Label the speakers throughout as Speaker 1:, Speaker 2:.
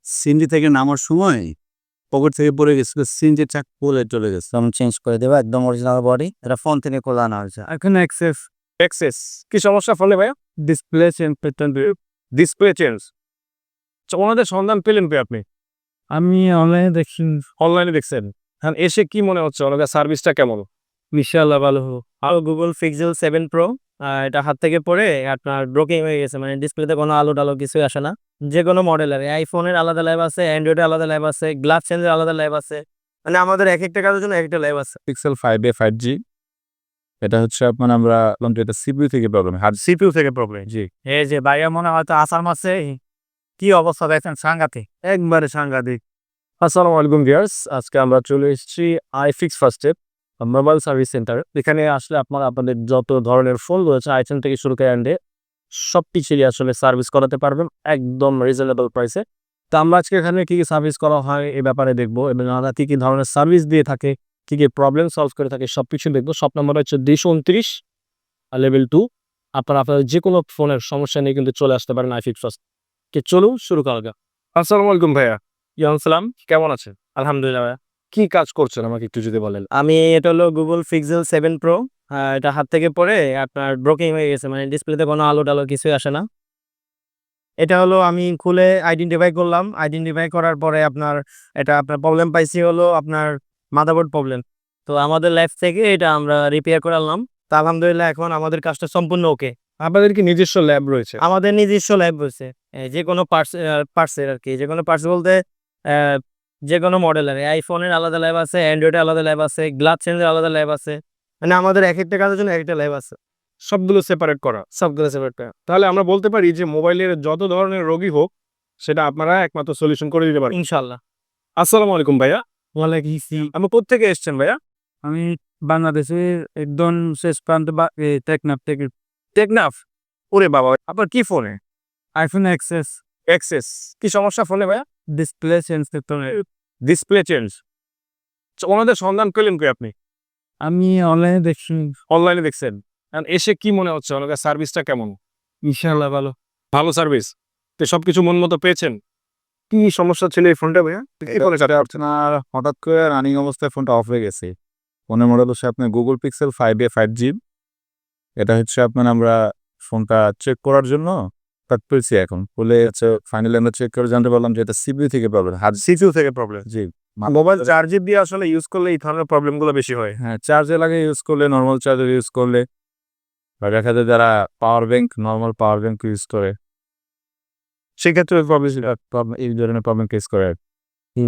Speaker 1: CNG থেকে নামার সময় পকেট থেকে পড়ে গেছিল। সিএনজির চাকা খুলে চলে গেছে।
Speaker 2: আমি চেঞ্জ করে দেবো একদম অরিজিনাল বডি। এটা ফোন থেকে খোলা আনা হয়েছে।
Speaker 1: এখানে এক্সেস
Speaker 3: কি সমস্যা ফোনে ভাইয়া?
Speaker 1: ডিসপ্লে চেঞ্জ পেতেন।
Speaker 3: Display change. ওনাদের সন্ধান পেলেন কি আপনি?
Speaker 1: আমি অনলাইনে দেখছি।
Speaker 3: অনলাইনে দেখছেন? হ্যাঁ, এসে কি মনে হচ্ছে ওনাদের সার্ভিসটা কেমন?
Speaker 1: ইনশাআল্লাহ ভালো হবো।
Speaker 2: আর Google Pixel 7 Pro এটা হাত থেকে পড়ে আপনার ব্রোকেন হয়ে গেছে। মানে ডিসপ্লেতে কোনো আলো টালো কিছুই আসে না। যে কোনো মডেলের আইফোনের আলাদা ল্যাব আছে, অ্যান্ড্রয়েডের আলাদা ল্যাব আছে, গ্লাস চেঞ্জের আলাদা ল্যাব আছে। মানে আমাদের একেকটা কাজের জন্য একেকটা ল্যাব আছে।
Speaker 4: পিক্সেল 5a 5G এটা হচ্ছে আপনার আমরা বললাম যে এটা সিপিইউ থেকে প্রবলেম, হার্ড
Speaker 3: সিপিইউ থেকে প্রবলেম।
Speaker 4: জি।
Speaker 2: এই যে ভাইয়া মনে হয়তো আসার মাসে কি অবস্থা দেখছেন, সাংঘাতিক,
Speaker 3: একবারে সাংঘাতিক। আসসালামু আলাইকুম ভিউয়ার্স, আজকে আমরা চলে এসেছি iFix first step mobile service centre. এখানে আসলে আপনারা আপনাদের যত ধরনের ফোন রয়েছে আইফোন থেকে শুরু করে অ্যান্ড্রয়েড সব কিছুরই আসলে সার্ভিস করাতে পারবেন একদম রিজনেবল প্রাইসে। তো আমরা আজকে এখানে কী কী সার্ভিস করা হয় এই ব্যাপারে দেখবো এবং আমরা কী কী ধরনের সার্ভিস দিয়ে থাকে, কী কী প্রবলেম সলভ করে থাকে সব কিছু দেখবো। শপ নাম্বার হচ্ছে 229 লেভেল 2। আপনারা আপনাদের যে কোনো ফোনের সমস্যা নিয়ে কিন্তু চলে আসতে পারেন আইফিক্স ফার্স্ট। চলুন শুরু করা যাক। আসসালামু আলাইকুম ভাইয়া।
Speaker 2: সালাম।
Speaker 3: কেমন আছেন?
Speaker 2: আলহামদুলিল্লাহ ভাইয়া।
Speaker 3: কি কাজ করছেন আমাকে একটু যদি বলেন?
Speaker 2: আমি এটা হলো Google Pixel 7 Pro এটা হাত থেকে পড়ে আপনার ব্রোকেন হয়ে গেছে। মানে ডিসপ্লেতে কোনো আলো টালো কিছুই আসে না। এটা হলো আমি খুলে আইডেন্টিফাই করলাম। আইডেন্টিফাই করার পরে আপনার প্রবলেম পাইছি হলো আপনার মাদারবোর্ড প্রবলেম। তো আমাদের ল্যাব থেকে এটা আমরা রিপেয়ার করে আনলাম। তো আলহামদুলিল্লাহ এখন আমাদের কাজটা সম্পূর্ণ ওকে।
Speaker 3: আপনাদের কি নিজস্ব ল্যাব রয়েছে?
Speaker 2: আমাদের নিজস্ব ল্যাব রয়েছে। যে কোনো পার্টসের আরকি। যে কোনো পার্টস বলতে অ্যা যে কোনো মডেলের আইফোনের আলাদা ল্যাব আছে, অ্যান্ড্রয়েডের আলাদা ল্যাব আছে, গ্লাস চেঞ্জের আলাদা ল্যাব আছে। মানে আমাদের একেকটা কাজের জন্য একেকটা ল্যাব আছে।
Speaker 3: সবগুলো সেপারেট করা।
Speaker 2: সবগুলো সেপারেট করা।
Speaker 3: তাহলে আমরা বলতে পারি যে মোবাইলের যত ধরনের রোগী হোক সেটা আপনারা একমাত্র সলিউশন করে দিতে পারেন।
Speaker 2: ইনশাআল্লাহ।
Speaker 3: আসসালামু আলাইকুম ভাইয়া।
Speaker 1: ওয়ালাইকুম আসসালাম।
Speaker 3: আপনি কোত্থেকে এসেছেন ভাইয়া?
Speaker 1: আমি বাংলাদেশের একদম শেষ প্রান্ত বা টেকনাফ থেকে।
Speaker 3: টেকনাফ? ওরে বাবা! আপনার কি ফোনে?
Speaker 1: IPhone XS
Speaker 3: XS. কি সমস্যা ফোনে ভাইয়া?
Speaker 1: ডিসপ্লে চেঞ্জ করতে হবে।
Speaker 3: Display change. ওনাদের সন্ধান পেলেন কই আপনি?
Speaker 1: আমি অনলাইনে দেখছি।
Speaker 3: অনলাইনে দেখছেন। এসে কি মনে হচ্ছে ওনাদের সার্ভিসটা কেমন?
Speaker 1: ইনশাআল্লাহ ভালো।
Speaker 3: ভালো সার্ভিস। তো সবকিছু মন মতো পেয়েছেন? কি সমস্যা ছিল এই ফোনটা ভাইয়া? এই ফোনে
Speaker 4: আপনার হঠাৎ করে রানিং অবস্থায় ফোনটা অফ হয়ে গেছে। ফোনের মডেল হচ্ছে আপনার Google Pixel 5a 5G। এটা হচ্ছে আপনার আমরা ফোনটা চেক করার জন্য পেয়েছি এখন। বলে হচ্ছে ফাইনালি আমরা চেক করে জানতে পারলাম যে এটা সিপিইউ থেকে প্রবলেম, হার্ড
Speaker 3: সিপিইউ থেকে প্রবলেম।
Speaker 4: জি।
Speaker 3: মোবাইল চার্জে দিয়ে আসলে ইউজ করলে এই ধরনের প্রবলেমগুলো বেশি হয়।
Speaker 4: হ্যাঁ, চার্জে লাগিয়ে ইউজ করলে, নরমাল চার্জার ইউজ করলে বা দেখা যায় যারা নরমাল পাওয়ার ব্যাংক ইউজ করে সেক্ষেত্রে এই ধরনের প্রবলেম ফেস করে আর কি।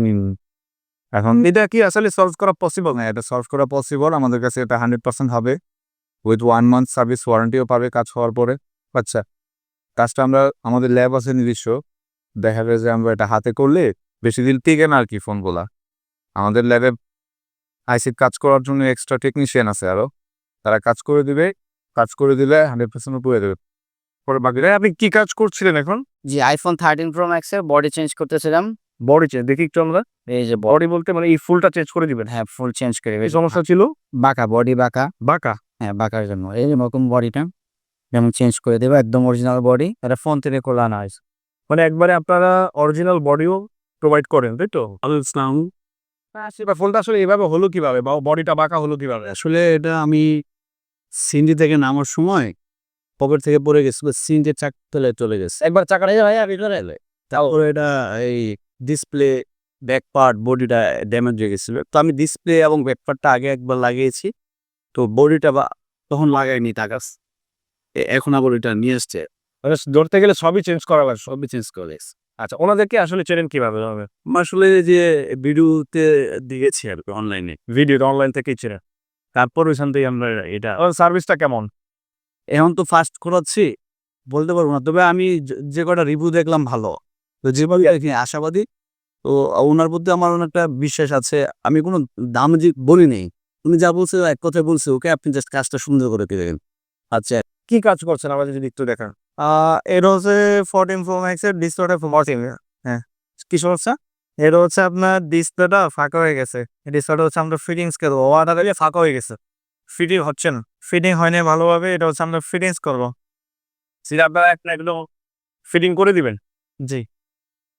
Speaker 4: এখন
Speaker 3: এটা কি আসলে সলভ করা পসিবল?
Speaker 4: না, এটা সলভ করা পসিবল। আমাদের কাছে এটা 100% হবে। উইথ 1 মান্থ সার্ভিস ওয়ারেন্টিও পাবে কাজ হওয়ার পরে। আচ্ছা, কাজটা আমরা আমাদের ল্যাব আছে নিজস্ব। দেখা যায় যে আমরা এটা হাতে করলে বেশি দিন টিকে না আর কি ফোনগুলা। আমাদের ল্যাবে আইসির কাজ করার জন্য এক্সট্রা টেকনিশিয়ান আছে আরও। তারা কাজ করে দিবে। কাজ করে দিলে 100% পুড়ে দেবে।
Speaker 3: পরে বাকিরা আপনি কি কাজ করছিলেন এখন?
Speaker 2: জি, iPhone 13 Pro Max এর বডি চেঞ্জ করতেছিলাম।
Speaker 3: বডি চেঞ্জ দেখি একটু আমরা।
Speaker 2: এই যে
Speaker 3: বডি বলতে মানে এই ফুলটা চেঞ্জ করে দিবেন?
Speaker 2: হ্যাঁ, ফুল চেঞ্জ করে
Speaker 3: কি সমস্যা ছিল?
Speaker 2: বাঁকা বডি বাঁকা।
Speaker 3: বাঁকা?
Speaker 2: হ্যাঁ, বাঁকার জন্য এই যে এরকম বডিটা যেমন চেঞ্জ করে দেবো একদম অরিজিনাল বডি। এটা ফোন থেকে খোলা আনা হয়েছে।
Speaker 3: মানে একবারে আপনারা অরিজিনাল বডিও প্রোভাইড করেন, তাই তো?
Speaker 1: আসসালাম।
Speaker 3: সেটা ফোনটা আসলে এভাবে হলো কিভাবে বা বডিটা বাঁকা হলো কিভাবে?
Speaker 1: আসলে এটা আমি সিএনজি থেকে নামার সময় পকেট থেকে পড়ে গেছিল। সিএনজির চাকা তলে চলে গেছে।
Speaker 3: একবার চাকাটা ভাইয়া ভিতরে এলে
Speaker 1: তারপরে এটা এই ডিসপ্লে ব্যাক পার্ট বডিটা ড্যামেজ হয়ে গেছিল। তো আমি ডিসপ্লে এবং ব্যাক পার্টটা আগে একবার লাগিয়েছি। তো বডিটা তখন লাগাইনি তাকাস। এখন আবার এটা নিয়ে এসছে।
Speaker 3: মানে ধরতে গেলে সবই চেঞ্জ করা লাগবে।
Speaker 1: সবই চেঞ্জ করে।
Speaker 3: আচ্ছা, ওনাদেরকে আসলে চেনেন কিভাবে?
Speaker 1: আসলে যে ভিডিওতে দেখেছি আর কি অনলাইনে।
Speaker 3: ভিডিও অনলাইন থেকেই চেনেন।
Speaker 1: তারপর ওইখান থেকে আমরা এটা
Speaker 3: সার্ভিসটা কেমন?
Speaker 1: এখন তো ফার্স্ট করাচ্ছি বলতে পারবো না। তবে আমি যে কটা রিভিউ দেখলাম ভালো। তো যেভাবে আর কি আশাবাদী। তো ওনার প্রতি আমার অনেকটা বিশ্বাস আছে। আমি কোনো দাম বলি নেই। উনি যা বলছে এক কথায় বলছে, ওকে আপনি জাস্ট কাজটা সুন্দর করে দিলেন। আচ্ছা,
Speaker 3: কি কাজ করছেন আমাদের যদি একটু দেখান?
Speaker 2: এটা হচ্ছে 14 Pro Max এর ডিসপ্লেটা 14। হ্যাঁ, কি সমস্যা? এটা হচ্ছে আপনার ডিসপ্লেটা ফাঁকা হয়ে গেছে। ডিসপ্লেটা হচ্ছে আমরা ফিটিংস করবো। ওয়াটার দিয়ে ফাঁকা হয়ে গেছে।
Speaker 3: ফিটিং হচ্ছে না।
Speaker 2: ফিটিং হয়নি ভালোভাবে। এটা হচ্ছে আমরা ফিটিংস করবো।
Speaker 3: সেটা আপনারা একটা একদম ফিটিং করে দিবেন?
Speaker 2: জি।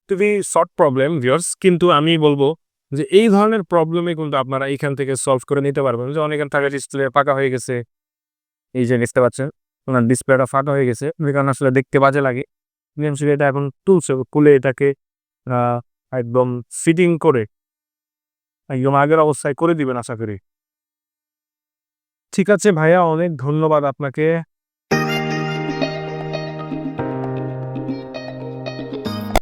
Speaker 3: খুবই শর্ট প্রবলেম ভিউয়ার্স, কিন্তু আমি বলবো যে এই ধরনের প্রবলেমে কিন্তু আপনারা এইখান থেকে সলভ করে নিতে পারবেন। যে অনেকের থাকে ডিসপ্লে ফাঁকা হয়ে গেছে, এই যে দেখতে পাচ্ছেন ওনার ডিসপ্লেটা ফাঁকা হয়ে গেছে, যে কারণে আসলে দেখতে বাজে লাগে। বিএমসি এটা এখন তুলছে, খুলে এটাকে একদম ফিটিং করে একদম আগের অবস্থায় করে দিবেন আশা করি। ঠিক আছে ভাইয়া, অনেক ধন্যবাদ আপনাকে।